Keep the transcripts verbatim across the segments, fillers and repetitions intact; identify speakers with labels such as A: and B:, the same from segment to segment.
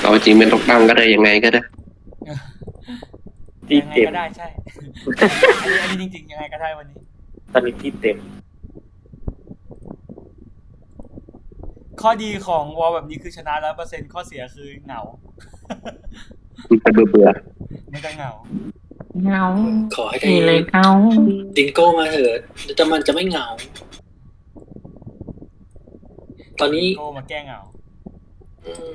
A: เอาจริงเป็นตกตั้งก็ได้ยังไงก็ได้
B: ที่
C: ยังไง
B: เต็ม
C: ก็ได้ใช่ อันนี้อันนี้จริงๆยังไงก็ได้วันนี้
B: ตอนนี้ที่เต็ม
C: ข้อดีของวอลแบบนี้คือชนะร้อยเปอร์เซ็นต์ข้อเสียคือเหงา
A: มันจะเบื่อเบื่อ
C: ไม่ต้องเหงา
D: เงา
E: ขอให้ได้
D: มีเลยเงา
E: ดิงโก้มาเถิดจะมันจะไม่เหงา ตอนนี้
C: โก้มาแก้เหงา
E: อืม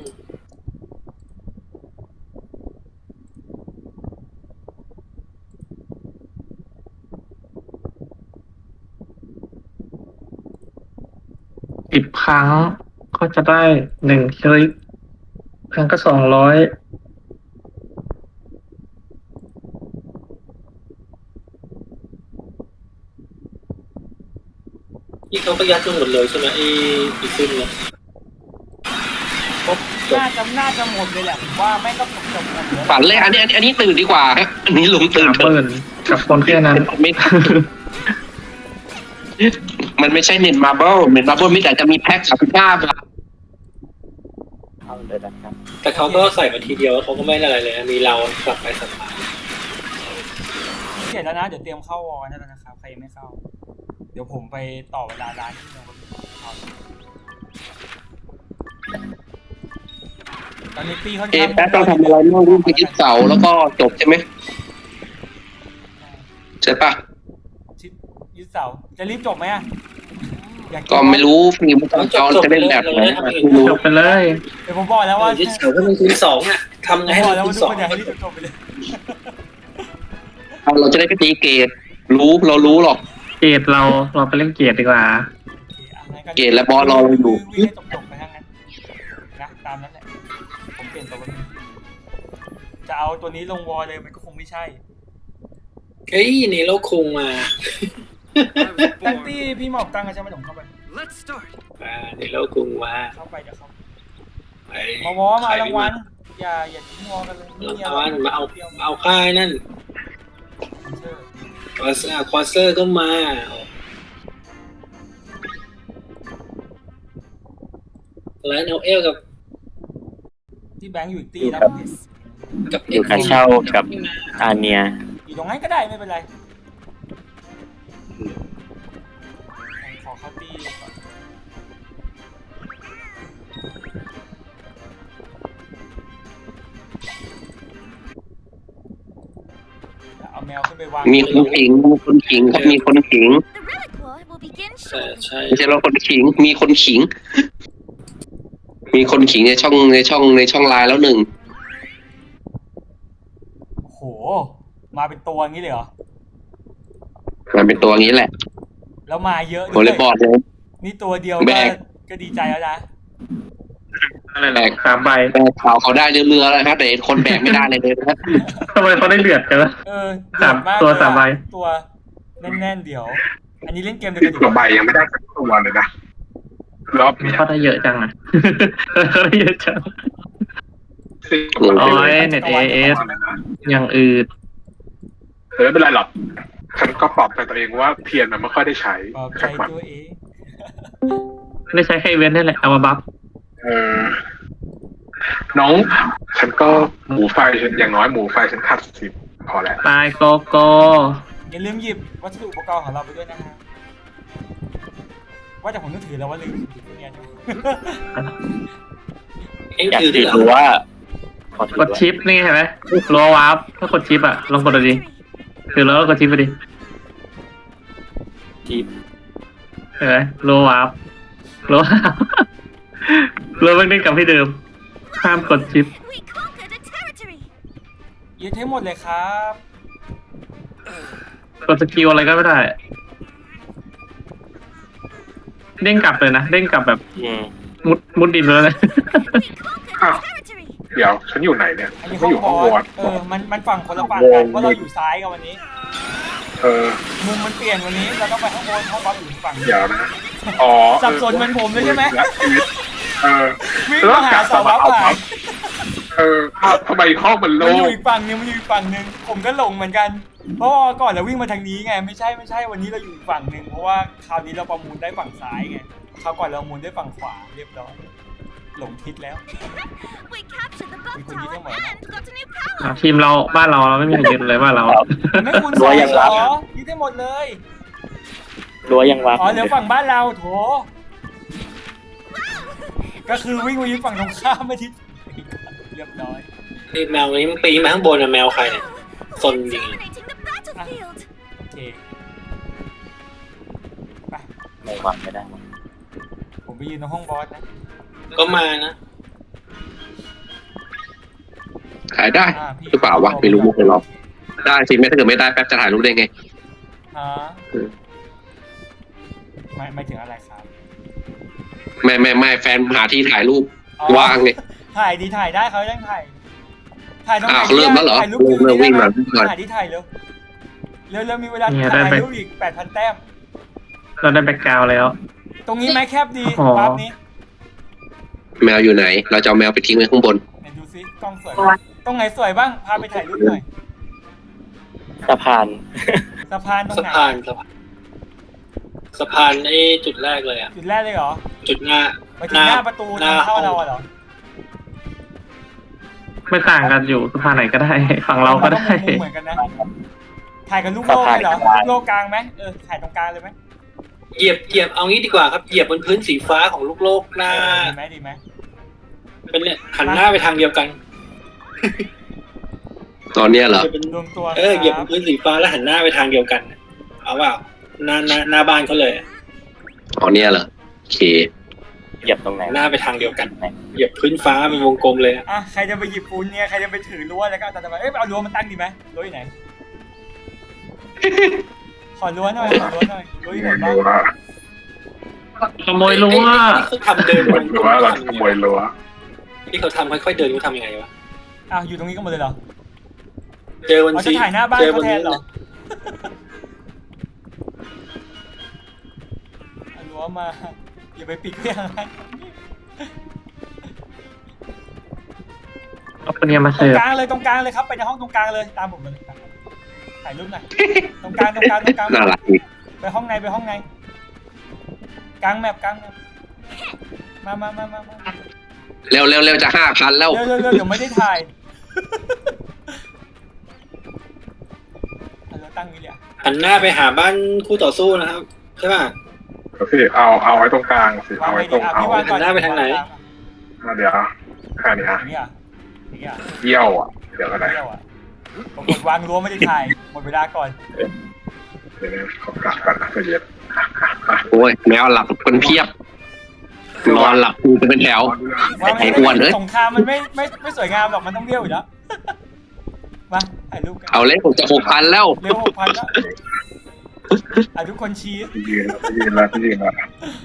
D: สิบครั้งก็จะได้หนึ่งคลิปครั้งก็สองร้อย
E: นี่เขาก็ยัดกันหมดเลยใช่ไหมไอ้อีซึมเนี่ยครบจบ
C: น่าจะน่าจะหมดเลยแหละผมว่าไม่ต้องจบจบหมดเลย
A: ฝันเลยอันนี้อันนี้อันนี้ตื่นดีกว่าฮะอันนี้ลุงตื่น
D: สาม
A: เถ
D: หมื่
A: อะ
D: นกับคนแค่นั้น
A: ไม่ มันไม่ใช่เน็ตมาร์เบิลเน็ตมาร์เบิลไม่แต่จะมีแพ็คสามสิบห้าบาท
B: เข้าเลยนะครับ
E: แต่เขาก็ใส่มาทีเดียวแล้วเขาก็ไม่ได้อะไรเลยนะมีเรากลับไปสัมภาษณ์
C: เสร็จแล้วนะเดี๋ยวเตรียมเข้าวอลนั่นแล้วนะครับใครยังไม่เข้า เดี๋ยวผมไปต่อเวลาร้านที่เราเข้าตอนนี้ปีค่อน
A: เอ
C: ข้าง
A: แพ็คต้องทำอะไรบ้างวิ่งไปยึดเสาแล้วก็จบใช่ไหมใช่ปะ
C: ชิดยึดเสาจะรีบจบไหมอ่ะอยา
A: ก็ไม่รู้ฟิล์มเขาจะเล่นแบบไหนไม่รู้
D: จบไปเลย
C: เดี๋ยวผมบอกแล้วว่า
E: ยึดเสาก็เป็นคูณสองอ่ะทำ
C: ผ
E: ไง
C: ม
E: ให้
C: บอก
E: มัน
C: แล้ว
E: คู
C: ว่า
E: ณ
C: ทุก
E: สอ
C: ค
E: ง
C: นอยากให้รีบจบไปเลย
A: เราจะได้ไปตีเกตรู้เรารู้หรอก
D: เกรดเราเราไปเล่นเกรดดีกว่า
A: เกตและบอสรอเราอยู่
C: วิ่งให้จบๆไปทั้งนั้นนะตามนั้นแหละผมเปลี่ยนตัวนี้จะเอาตัวนี้ลงวอลเลยมันก็คงไม่ใช่
E: เฮ้ยนี่เราคุงมา
C: แลนตี้พี่หมอกตั้งกันใช่ไหมผมเข้าไป
E: อ่านี่เราคุงมา
C: เข้าไปเดี๋ยวเขา
E: ไป
C: มาวอมาเอารางวัลอย่าอย่าทิ้งวอกันเลย
E: รางวัลมาเอาเอาค่ายนั่น
C: เชื่อ
E: ควอเซอร์ควอเซอร์ก็มาแล้วเอลเอลกับ
C: ที่แบงค์อยู่อีกตีแล้ว
E: กับ
B: อยู่การเช่ากับอาเนีย
C: อยู่ตรงนั้นก็ได้ไม่เป็นไรขอเข้าตีก่อนเอาแมวขึ้นไปวาง
A: มีคนขิงมีคนขิงครับมีคนขิง
E: ใช่ใช่
A: ไม่ใช่เราคนขิง มีคนขิง มีคนขิงในช่องในช่องในช่องไลน์แล้วหนึ่ง
C: โอ้โหมาเป็นตัวงี้เลยเหรอ
A: มันเป็นตัวงี้แหละ
C: แล้วมาเยอะ
A: โวอลเลย์บอลเลย
C: นี่ตัวเดียว
A: แบ
C: ก็
A: ก
C: ก็ดีใจแล้วนะ
D: นั่นแหละสามใบ
A: แต่ข่าวเขาได้เรือๆแล้วครับแต่คนแบกไม่ได้เลยเลยนะ
D: ทำไมเขาได้เลือดกันวะ
C: เออ
D: สาม
C: เดือดก
D: ตัว
C: เลยอะ
D: สามใบ
C: ตัวแน่นๆเดี๋ยว อันนี้เล่นเกมเดียวกันอยู่
F: ตัวใบยังไม่ได้สักตัวเลยนะรอบเนี้ย
D: เขาได้เยอะจังอ่ะ เขาได้เยอะจัง
F: สิบ
A: โอ้
D: โอ้ยเน็ตเอเอสอย่างอื่น
F: แต่ไม่เป็นไรหรอกฉันก็ปลอบใจตัวเองว่าเทียนมันไม่ค่อยได้ใช้
C: ปลอบใจ
F: จากมัน
C: ตัวเอง
D: ได้ใช้แค่อีเวนต์นั่นแหละเอามาบัฟ
F: เออน้อง ฉันก็หมูไฟฉันอย่างน้อยหมูไฟฉันขาดสิบพอแล้ว
D: ตายโกโก้
C: อย่าลืมหยิบวัสดุอุปกรณ์ของเราไปด้วยนะฮะว่าแต่ผมนึกถือแล้วว่าลืมหยิบเนี่ยอยู่
E: เอ็ง
B: อยาก
E: ถือ
B: ถื
E: ด้ว
B: อย
E: เหร
B: รู้
E: อ
B: ว่าขอถือก
D: ดชิปนี่เห็นไหมรัววาร์ปถ้ากดชิปอ่ะลองกดดูดิถือแล้วก็กดชิปไปดิ
B: ที่
D: เห็นไหมรัววาร์ปรัววาร์ปรัวมันเล่นกลับที่เดิมห้ามกดชิป
C: ยึดให้หมดเลยครับ
D: กดสกิลอะไรก็ไม่ได้เด้งกลับเลยนะเด้งกลับแบบ
B: อืม
D: มุดมุดดินเลยนะ
F: อ้าวเดี๋ยวฉันอยู่ไหนเนี่ย
C: อันนี้
F: ฉั
C: ห้
F: น
C: อง
F: อยู่
C: บ
F: ห้
C: อ
F: อง
C: ส
F: วอด
C: เออมันมันฝั่งคนละฝั่ง
F: ว
C: กั
F: ง
C: นเพราะเราอยู่ซ้ายกันวันนี้
F: เออ
C: มุมมันเปลี่ยนวันนี้เราต้องไปข้างบนห้องบอสอยู่ฝั่ง
F: เดี๋ยวนะอ๋อ
C: สับสนเหมือนผมเลยใช่ไหม
F: และชีวิตเออ
C: วิ่งมาหาเสาวับหาย
F: เอออ้าวทำไมห้องมัน
C: มั
F: โล่
C: นอยู่
F: ง
C: อีกฝั่งนึงมันอยู่อีกฝั่งนึงผมก็หลงเหมือนกัน เพราะว่าก่อนเราวิ่งมาทางนี้ไงไม่ใช่ไม่ใช่วันนี้เราอยู่อีกฝั่งนึงเพราะว่าคราวนี้เราประมูลได้ฝั่งซ้ายไงคราวก่อนเราประมูลได้ฝั่งขวาเรียบร้อยหลงทิศแล้วมีคนยึดทั้งหมดนะ
D: อ่ะทีมเราบ้านเราเราไม่มีใครยึดเลยบ้านเรา
C: ไม่คุณสองเหรอยึดได้หมดเลย
B: รั้วยังวับ
C: อ๋อเหลือฝั่งบ้านเราโถก็คือวิ่งมายึดฝั่งตรงข้ามไม่ทิศเรียบร้อย
E: นี่แมวนี้มันปีนมาข้างบนอะแมวใครเนี่ยซนจริง
C: โอเคไป
B: ไม่วับไม่ได้
C: ผมไปยืนตรงห้องบอสนะ
E: ก็มานะ
A: ขายได้
C: อ่าพี่
A: หรือเปล่าวะไม่รู้มุกเลยหรอกได้สิไม่ถ้าเกิดไม่ได้แป๊บจะถ่ายรูปได้ไง
C: ฮะไม่ไม่ถึงอะไรครับ
A: ไม่ไม่ไม่แฟนหาที่ถ่ายรูป
C: อ๋อ
A: ว่างเลย
C: ถ่ายดีถ่ายได้เขาต้องถ่ายถ่ายตรงไหน
A: อ้าวเริ่มแล้วเหรอ
C: ถ่ายรูป
A: เริ่มวิ่งมา
C: ถ่ายที่ถ่ายเร็วเร็วเร็วมีเวลา
D: เนี่ยได้
C: ถ่าย
D: ไป
C: รูปอีกแปดพันแต้ม
D: เราได้แบ็กกราวด์แล้ว
C: ตรงนี้ไหมแคบดี
D: อ๋อ
C: ภาพนี้
A: แมวอยู่ไหน เราจะเอาแมวไปทิ้งไว้ข้างบน
C: ไหนดูซิกล้องสวยไหมตรงไหนสวยบ้างพาไปถ่ายรูปหน่อย
B: สะพาน
C: สะพานตรง
E: สะ
C: ไหน
E: พานสะพานสะพานไอ้จุดแรกเลยอะ
C: จุดแรกเลยเหรอ
E: จุดหน้า
C: ไปถึงหน้าประตูทางเข้าเราอะเหรอ
D: ไม่ต่างกันอยู่สะพานไหนก็ได้ ฝั่งเราก็ได้
C: มุมเหมือนกันนะถ่ายกับลูกโลกเลยเหรอ
B: สะพาน
C: ลูกโลกกลางไหมเออถ่ายตรงกลางเลยไหม
E: เหยียบเหยียบเอางี้ดีกว่าครับเหยียบบนพื้นสีฟ้าของลูกโลกหน้า
C: ดีไหมดีไหม
E: เป็นเนี่ยหันหน้าไปทางเดียวกัน
A: ตอนเนี้ยเหรอ
E: จะเป็น
C: รวมตัว
E: เออเหยียบ
C: ค
E: บ
C: รั
E: นพื้นสีฟ้าแล้วหันหน้าไปทางเดียวกัน เอาเปล่าหน้าหน้าหน้าบ้านเขาเลย
A: ตอนเนี้ยเหรอโอเค
B: เหยียบตรงไหน
E: หน้าไปทางเดียวกัน เหยียบพื้นฟ้าเป็นวงกลมเลย
C: อ่ะใครจะไปหยิบปูนเนี่ยใครจะไปถือรั้วแล้วก็เอาแต่ไปเอ้ยเอารั้วมันตั้งดีไหมรั้วอยู่ไหน ขอรั้วหน่อยขอรั้วหน่อยรั้วอยู่ไหนบ้าง
F: รั้ว
D: ขโมยรั้ว
E: ไอ้ที่เขาทำเดิน
F: ขโมยรั้วเราขโมยรั้ว
E: ที่เขาทำค่อยๆเดินเขาทำยังไงวะ
C: อ้าวอยู่ตรงนี้ก็หมดเลยเหรอ
E: เจอบน
C: เอา
E: สี
C: จะถ่ายหน้าบ้าน
E: เจอ
C: เขา
E: บน
C: แท
E: นี้
C: นเหรอเอารั้วมาอย่าไปปิดเรื่องอะไร
D: เอาคนเนี้ยมา
C: ตร
D: เสิ
C: ง
D: ร์ฟ
C: กลางเลยตรงกลางเลยครับไปในห้องตรงกลางเลยตามผมมาเลยครับถ่ายรูปหน่อยตรงกลางตรงกลางตรงกลาง
A: น่ารักดี
C: ไปห้องในไปห้องในกลางแมปกลางแมปมามามามามา
A: เร็วเร็วเร็วจะห้าพันแล้ว
C: เร็วเร็วเร็วเดี๋ยวไม่ได้ถ่ายเอาเราตั้งนี้เลยอะ
E: หันหน้าไปหาบ้านคู่ต่อสู้นะครับใช่ป่ะ
F: เอาสิเอาเอาไว้ตรงกลางสิ
C: วาง
F: เอา
C: ไว้
F: ไว้ต
C: ดี
F: รง
C: อ่ะ
F: เอา
C: พี่วางก่อน
E: หันหน้าไปทางไหน
F: มาเดี๋ยวแค่นี้อ่ะ
C: อย่างนี้อ่ะอย่างนี้อ่ะ
F: เยี่ยวอ่ะเดี๋ยวก็ได้
C: เที่ยวอ่ะผมกดวางรั้วไม่ได้ถ่ายหมดเวลาก่อน
F: เดี๋ยวนะขอกลับกันนะใจเย็นอ่ะ
A: โอ้ยแมวหลับคนเพียบนอนหลับกูจะเป็นแถว
C: ว่า
A: ไอ้อ้วนเอ้ย
C: สงครามมันไม่ไม่ไม่สวยงามหรอกมันต้องเลี้ยวอยู่แล้วมาถ่ายรูปกัน
A: เอาเลยผมจะหกพันแล้ว
C: เร็วหกพันแล้วอ่ะทุกคนชี้
F: ยืนแล้วยืนแล้วยืนแล้ว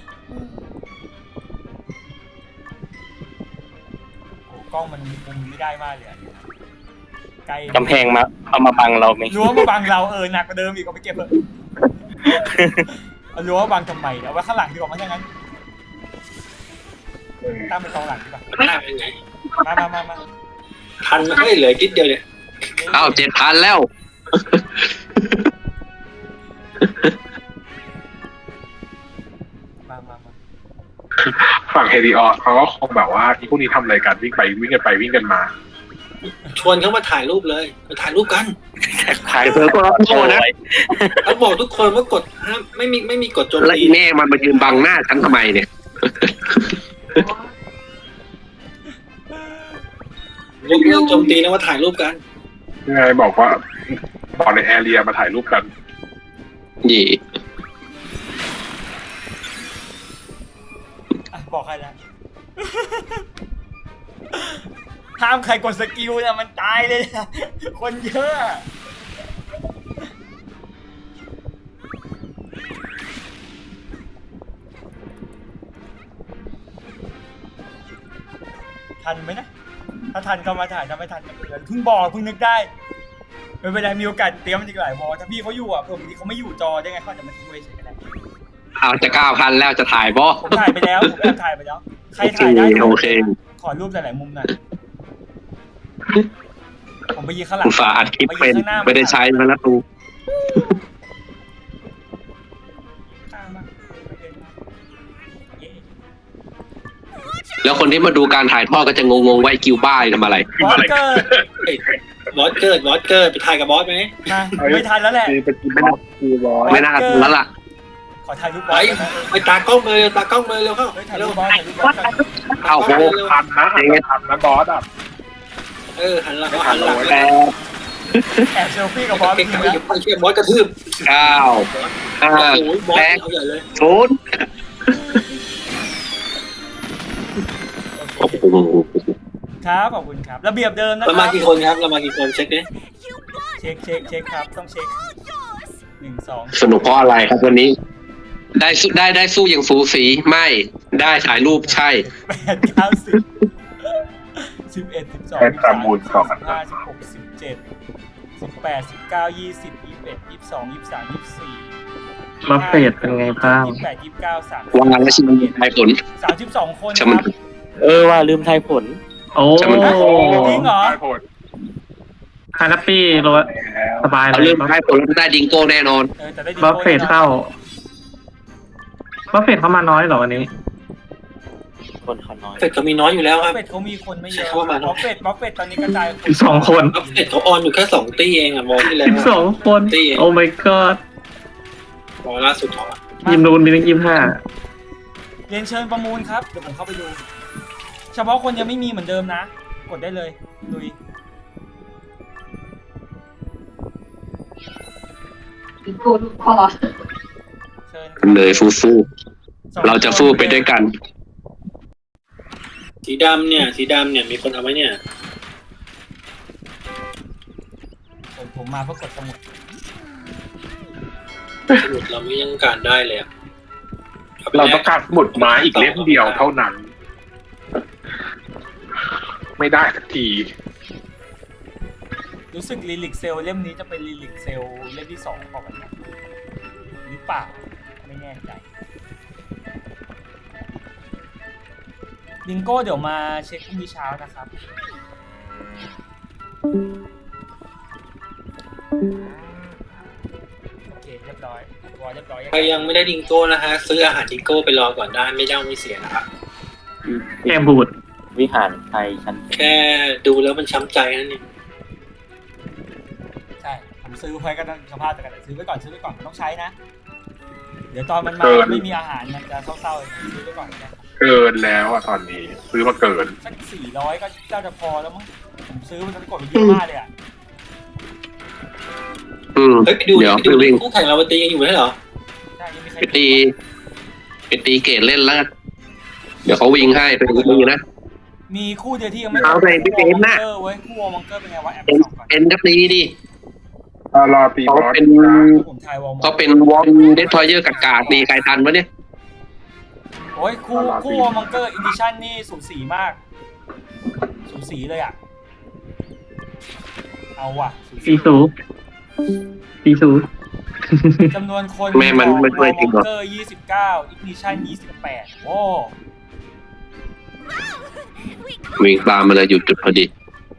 C: โอ้กล้องมันมุมไม่ได้มากเลยอะไกล
B: กำแพงมาเอามาบังเราไหม
C: รั้วมาบังเราเออหนักกว่าเดิมอีกเอาไปเก็บเถอะเอารั้วมาบังทำไมเอาไว้ข้างหลังดีกว่ามั้งถ้างั้นตั้งเป็นกองหลังดีกว่า
E: หน้าเป็นไง
C: มามามามา
E: ทันไม่เหลือนิดเดียวเนี่ย
A: อ้าวเจ็ดพันแล้ว
C: มามามา
F: ฝั่งเฮดิออสเขาก็คงแบบว่าอีพวกนี้ทำอะไรกันวิ่งไปวิ่งกันไปวิ่งกันมา
E: ชวนเขามาถ่ายรูปเลยมาถ่ายรูปกัน
B: ถ่าย
A: เธอก็รับโทษนะ
E: เขาบอกทุกคนว่ากดห้ามไม่มีไม่มีกดโจม
A: แล้ว
E: ตี
A: อีแม่มันมายืนบังหน้าฉันทำไมเนี่ย
E: ยกเลิกโจมตีนะว่าถ่ายรูปกัน
F: ยังไงบอกว่าบอกในแอเรียมาถ่ายรูปกัน
A: หยี
C: อ่ะบอกใครแล้วห้ามใครกดสกิลนะมันตายเลยนะคนเยอะทันไหมนะถ้าทันก็มาถ่ายถ้าไม่ทันก็ไม่เป็นไรเพิ่งบอกเพิ่งนึกได้ไม่เป็นไรมีโอกาสเตรียมมันอีกหลายวอลถ้าพี่เขาอยู่อ่ะผมที่เขาไม่อยู่จอได้ไงเขาอาจจะมาทิ้งไว้เฉยก็ได้
A: เอาจะเก้าพันแล้วจะถ่ายบ่
C: ผมถ่ายไปแล้วผมแอบถ่ายไปแล้วใครถ่ายได้
A: โอเค
C: ขอรูปหลายๆมุมหน่อยผมไปยืนข้างหลัง
A: อุตส่าห์อัดคลิปเป็น
C: ยืข้างหน้า
A: ไม่ได้ใช้มาแล้วตู
C: ข้ามมาเย้
A: แล้วคนที่มาดูการถ่ายทอดก็จะงงๆว่าไอ้กิวบ้าทำอะไร
C: บอสเกิด
E: บอสเกิดบอสเกิดไปถ่ายกับบอสไหม
C: นะไม่ทันแล้วแหละ
F: คือเป็นบอสคือบอส
A: ไม่น่าทันแล้วล่ะ
C: ขอถ่ายรูปบ
E: ไป
C: อสได้ไหม
E: ไปตากล้องเลยตากล้องเลยเร็วเข้า
C: เฮ้ยถ่าย
E: เร็
C: รู
E: ว
C: ปบอสถ่ายรูปบอสก่อน
A: เอาโห
F: ทันนะทันนะบอสอ่ะ
E: เออหันหลังหันหลัง
A: แปด
C: แอบเซลฟี่กับบอส
E: เก่
C: จ
E: ง
C: ริง
E: ๆ
C: ๆ
E: อย่า
C: นะ
E: ไปเชื่อบอสกระทืบ
A: เก้าห้า
E: โอ้ยบอส
A: แปด
E: เอาใหญ่เลย
A: ศูนย์โอ้โห
C: ครับขอบคุณครับระเบียบเดิมนะค
E: เรา
C: รั
E: มา
C: บ
E: กี่คนครับเรามากี่คนเช็คดิ
C: เช็คเช็คเช็คครับต้องเช็คหนึ่งสอง
A: สนุกเพราะอะไรครับวันนี้ ได้สู้ได้ได้สู้อย่างสูสีไม่ได้ถ่ายรูปใช่
C: แปดเก้าสิบสิบเอ็ดสิบสองสิบสามสิบสี่สิบห้าสิบหกสิบเจ็ดสิบแปดสิบเก้ายี่สิบยี่สิบเอ็ดยี่สิบสองยี่สิบสามยี่สิบสี่
D: บัฟเฟตเป็นไงบ้าง
C: ยี่สิบแปดยี่สิบเก้าสาม
A: วางแล้วชิมทายผล
C: สามสิบสองคน
A: ใช่
C: ค
A: มัน
C: รับ
B: เออว่าลืมทายผล
D: โอ้
A: จะมัน
C: จริงเหรอ
F: ผล
D: ฮานาปี้โรสสบาย
A: เอา
D: เล
A: เริ่
D: ย
A: มทายผลแล้วได้ดิงโก้แน่นอน
C: เออแต่ได้ดี
D: บัฟเฟตเข้าบัฟเฟตเข้ามาน้อยเหรอวันนี้
B: คนเขาน้อย
E: เฟดเขามีน้อยอยู่แล้ว
C: บั
E: ค
C: ฟ
E: รับ
C: เฟตเขามีคนไม่เยอะ
E: ใช่ว่ามาเน
C: บั
E: อะ
C: ฟเฟตบัฟเฟตตอนนี้กระจาย
D: สิบสองคน
E: เฟดเขาออนอยู่แค่สองตีเองอ่ะมองที่แล้ว
D: สิบสองคน โอ้ my god
E: มองล่าสุดเขาอะ
D: ยิมนูนมีตั้งยี่สิบห้า
C: เรียนเชิญประมูลครับเดี๋ยวผมเข้าไปดู เฉพาะคนยังไม่มีเหมือนเดิมนะ กดได้เลยลุย
G: กูพอ
C: เชิญ
A: เลยฟูฟูเราจะสู้ไปด้วยกัน
E: สีดำเนี่ยสีดำเนี่ยมีคนเอาไหมเนี่ย
C: ผมผมมาเพื่อกดสมุด
E: สมุดเราไม่ยังการได้เลยอะอไป
F: เรา
E: แล
F: ต้องการสมุดไม้อีกเล่มเดียวเท่านั้น ไม่ได้สักที
C: รู้สึกลิลิกเซลเล่มนี้จะเป็นลิลิกเซลเล่มที่สองของมันนะหรือเปล่าไม่แน่ใจบิงโก้เดี๋ยวมาเช็คพรุ่งนี้เช้านะครับโอเคเรียบร้อยตัวเรียบร้อย
E: ใครยังไม่ได้ดิงโก้นะฮะซื้ออาหารดิงโก้ไปรอก่อนได้ไม่เจ้าไม่เสียนะครับ
D: แกมบูด
B: วิหารไทยชั้น
E: แค่ดูแล้วมันช้ำใจนั่นเอง
C: ใช่ผมซื้อไว้ก็ต้องสภาพแต่กันซื้อไว้ก่อนซื้อไว้ก่อนมันต้องใช้นะ เดี๋ยวตอนมันมา
F: เกิน
C: ไม่มีอาหารมันจะเศร้าๆซื้อไว้ก่อนนะ
F: เกินแล้วอ่ะตอนนี้ ซื้อมาเกิน
C: สักสี่ร้อยก็น่าจะพอแล้วมั้งผมซื้อมันจะกดไปเยอะมากเลยอ่ะ
A: อืม
E: เฮ้ยไปดู
A: เดี๋ยว
E: ไปดู
A: ไปวิ่ง
E: คู่แข่งเราตียังอยู่ไหมเหรอ
C: ใช่ยังมีใคร
A: ไปตีไปตีเกตเล่นแล้วกันเดี๋ยวเขาวิ่งให้ไปดูนะ
C: มีคู่เดียวที่ยังไม่
A: เอาไปพี่เบนซ์น่ะ
C: คู่วอลมังเกอร์เว้ยคู่วอลมังเกอร์เป็นไงวะแอบ
A: เอ็น
C: ส่องก่อน
A: เอ็นก็ตีดิ
F: รอตีบ
A: เขา
F: อส
A: เป็น
C: ผมทายวอลมัง
A: เขาเป็นวอลเดสทอยเยอร์กากาดีใครทันวะเนี่ย
C: โอ้ยคู่คู่วอลมังเกอร์อินดิชั่นนี่สูสีมาก สูสีเลยอ่ะเอาว่ะสูสี
D: ปีสูปีสู
C: จำนวนคน
A: แม่มันไม่ช่วยจริงหรอ
C: เกอร์ยี่สิบเก้าอิกนิชันยี่สิบแปดโอ้
A: วิ่งตามมาเลยหยุดจุดพอดี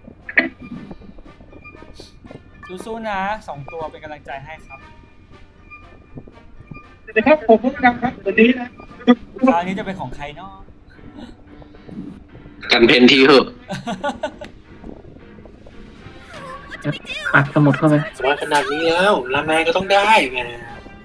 C: สู้ๆนะสองตัวเป็นกำลังใจให้ครับ
F: นะครับผมพูดนะครับวันนี้นะ
C: คราวนี้จะเป็นของใครเนาะ
A: กันเพนทีเหอะ
D: อัดสมุดเข้าไป
E: สมัยขนาดนี้แล้วลาแมนก็ต้องได้ไง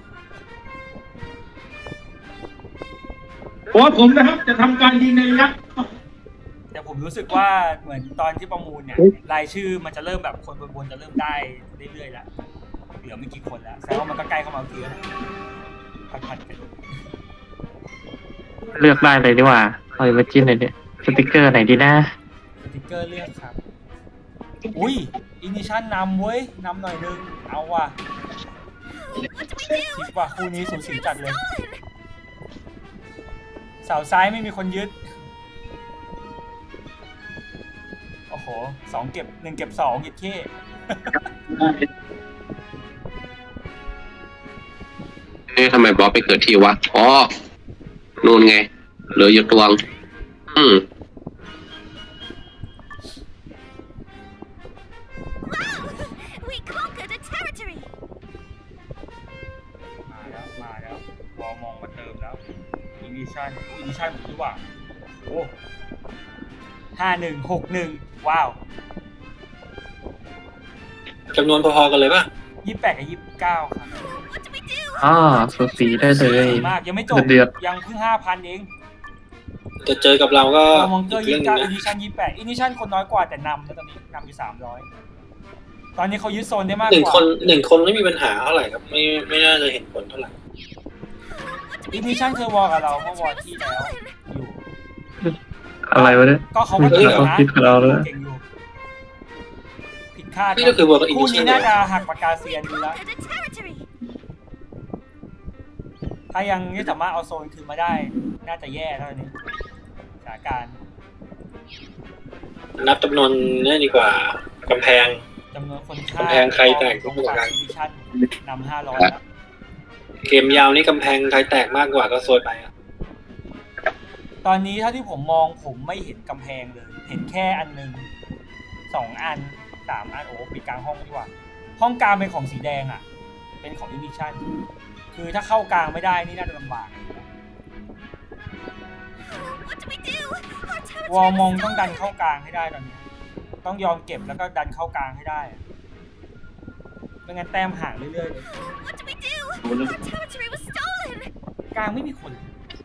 H: เพราะว่าผมนะครับจะทำการยิงในระยะ
C: แต่ผมรู้สึกว่าเหมือนตอนที่ประมูลเนี่ยรายชื่อมันจะเริ่มแบบคนบนๆจะเริ่มได้เรื่อยๆแล้วเหลือไม่กี่คนแล้วแสดงว่ามันก็ใกล้เข้ามาทุกทีแล้วผัดๆกัน
D: เลือกได้เลยดีกว่าเอาไปจิ้มเลยเนี่ยสติกเกอร์ไหนดีนะ
C: สติ๊กเกอร์เลือกครับอุ้ยอินิชั่นนำเว้ยนำหน่อยนึงเอาว่ะคิดว่าคู่นี้สูสีจัดเลยเสาซ้ายไม่มีคนยึดโอ้โหสองเก็บหนึ่งเก็บสองเก็บเค้
A: เอ๊ะทำไมบอสไปเกิดที่วะ อ๋อ นู่นไง เหลืออยู่ตวง อืม
I: We conquered a territory.
C: มาแล้วมาแล้ววอลมองมาเติมแล้วอินิชั่นอินิชั่นผมดีกว่าโอ้ห้าหนึ่งหกหนึ่งว้าว
E: จำนวนพอๆกันเลยป่ะ
C: ยี่สิบแปดกับยี่สิบเก้าครับ
D: อ๋อสูสีได้เลย
C: มากยังไม่จบ
D: เดือด
C: ยังเพิ่งห้าพันเอง
E: จะเจอกับเราก็
C: วอร์มองเกอ
E: อี
C: ร์
E: กเรื่
C: ยี่
E: อง
C: สิบ
E: หนึ
C: เก้าง อินิชันยี่สิบแปดอินิชันคนน้อยกว่าแต่นำแล้วตอนนี้นำอยู่สามร้อยตอนนี้เขายึดโซนได้มาก
E: หนึ่ง
C: กว่า
E: คนหนึ่งคนไม่มีปัญหาเท่าไหร่ครับ ไม่ไม่น่าจะเห็นผลเท่าไหร่
C: อินิชันเคยวอลกับเราเมื่อวอลที่แล้วอยู่
D: อะไรวะเนี่ย
C: ก็เขาก็เก่ง
D: เขา
C: นะ
D: คิดกับเราเลย
C: เก่งอยู่ผิดคาด
E: นี่ก็คือเวิร์กกับอิ
C: คู่
E: นิชั
C: นี้
E: น
C: น่าจะหักปากกาเซียนดูแล้ว
I: Conquered a territory.
C: ถ้ายังไม่สามารถเอาโซนคืนมาได้ น่าจะแย่เท่านี้สถานการณ์
E: นับจำนวนนี่ดีกว่ากำแพง
C: จำนวนคนฆ่าก
E: ำแพงใครแตก
C: ตรง
E: กว่ากั
C: ฝั่ง
E: น
C: อินิชันนำห้าร้อยแล้ว
E: เกมยาวนี่กำแพงใครแตกมากกว่าก็โซยไปอะ
C: ตอนนี้เท่าที่ผมมองผมไม่เห็นกำแพงเลย เห็นแค่อันหนึ่งสองอันสามอันโอ้ปิดกลางห้องดีกว่า ห้องกลางเป็นของสีแดงอ่ะ เป็นของอินิชันคือถ้าเข้ากลางไม่ได้นี่น่าจะลำบาก
I: What do we do? Our territory
C: วอลมอง
I: was
C: ต้องดัน
I: stolen.
C: เข้ากลางให้ได้ตอนนี้ ต้องยอมเก็บแล้วก็ดันเข้ากลางให้ได้อะไม่งั้นแต้มห่างเรื่อยๆเลย
I: What do we do? Our territory was stolen.
C: กลางไม่มีคนเลย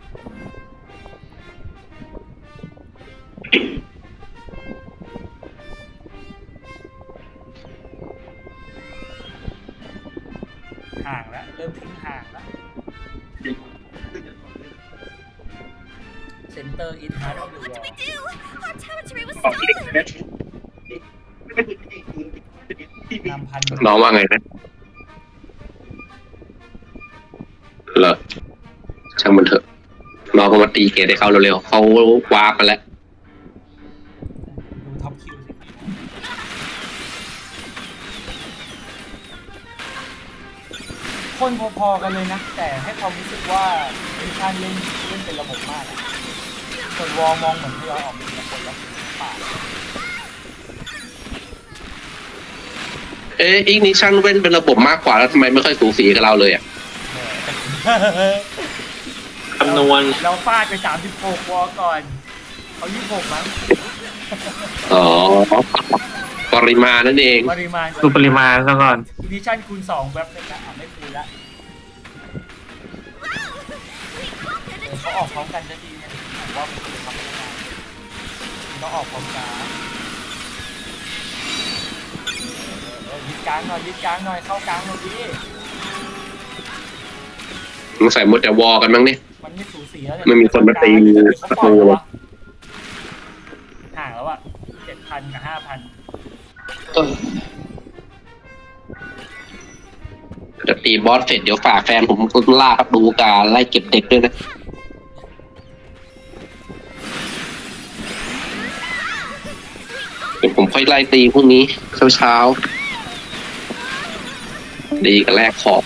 C: ห่างแล้วเริ่มทิ้งห่างแล้วเซ็นเตอร์อินฮาร์ดออฟเดอะวอ
I: What do
C: ล
I: we do? Our territory was stolen.
C: นำพัน
A: น้องว่าไงนะเหรอช่างมันเถอะน้องก็มาตีเกตให้เขาเร็วๆเขาวาร์ปมาแล้ว
C: ดูท็อปคิวสิคนพอๆกันเลยนะ แต่ให้ความรู้สึกว่าดิชั่นเล่นเล่นเป็นระบบมากอะส่วนวอลมองเหมือนที่เราออกเป็นคนแล้วป่า
A: เอ๊ะอีกนิชั่นเว้นเป็นระบบมากกว่าแล้วทำไมไม่ค่อยสูสีกับเราเลยอ่ะ
E: คำนวณ
C: เราฟาดไปสามสิบหกวอลก่อนเขายี่สิบหกมั้ง
A: อ๋อปริมาณนั่นเอง
C: ปริมาณ
D: ดูปริมาณซะก่อน
C: อินิชั่นคูณสองแว็บเลยนะอ่ะไม่คูณละ
I: We conquered
C: เอ
I: a
C: อเขาออกพร้อมกันจะดีเนี่ยผมว่ามันคือทำไม่ได้ต้องออกพร้อมกันเออยึดกลางหน่อยยึดกลางหน่อยเข้ากลางหน่อยดิ
A: มึงใส่หมดแต่วอลกันมั้งเนี่ย
C: มันไม่สูสีแล้วเนี่ย
A: ไม่มีคนมาตีประตูเลย
C: ห่างแล้วอ่ะเจ็ดพันกับห้าพัน
A: จะตีบอสเสร็จเดี๋ยวฝากแฟนผมล่าครับดูการไล่เก็บเด็กด้วยนะเดี๋ยวผมค่อยไล่ตีพรุ่งนี้เช้าเช้าๆดีกับแรกขอบ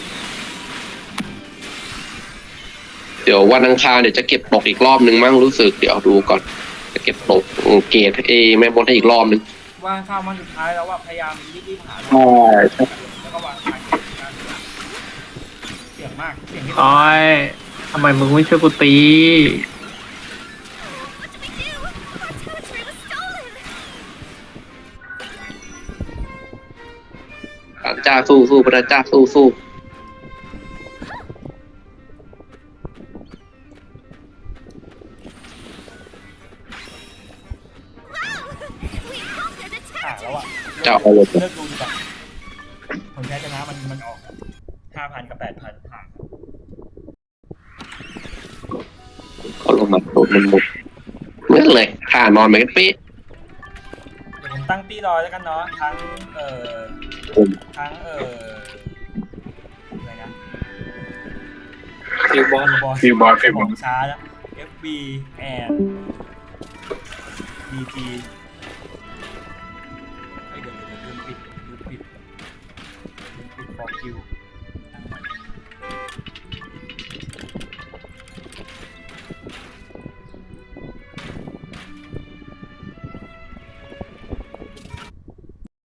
A: เดี๋ยววันอังคารเดี๋ยวจะเก็บตกอีกรอบนึงมั้งรู้สึกเดี๋ยวดูก่อนจะเก็บตกเกรดเอแม่บนให้อีกรอบนึง
C: วางข้าวมันสุดท้ายแล้วว่าพยายามรีบๆหา
A: ใช่ใช่
C: แล้วก็วางขายเสียงมากเสียงที่
D: โอ้ยทำไมมึงไม่ช่วยกูตี
I: What do we do? Our territory was stolen.
A: พระเจ้าสู้สู้พระเจ้าสู้สู้
I: Wow! We conquered a
C: ห่างแล้ว
I: territory.
C: อ่ะ
A: เจ้าเอาเลย
C: เลิกดูดีกว่าผลแพ้ชนะมันมันออกห้าพันกับแปดพันห่าง
A: เขาลงมาโดนมันหมดเหมือนเลยท่านอนไปกันเป๊ะ
C: เดี๋ยวผมตั้งตีรอแล้วกันเนาะทั้งเอ่อ
A: ผม
C: ทั้งเอ่ออะไรนะ
E: คิวบอล
C: บอล
F: ฟิวบอลฟิวบอล
C: ช้าแล้ว เอฟ บี and ดี จี เฮ้ยเดี๋ยวเดี๋ยวเดี๋ยวลืมปิดลืมปิดลืมปิดฟอร์คิว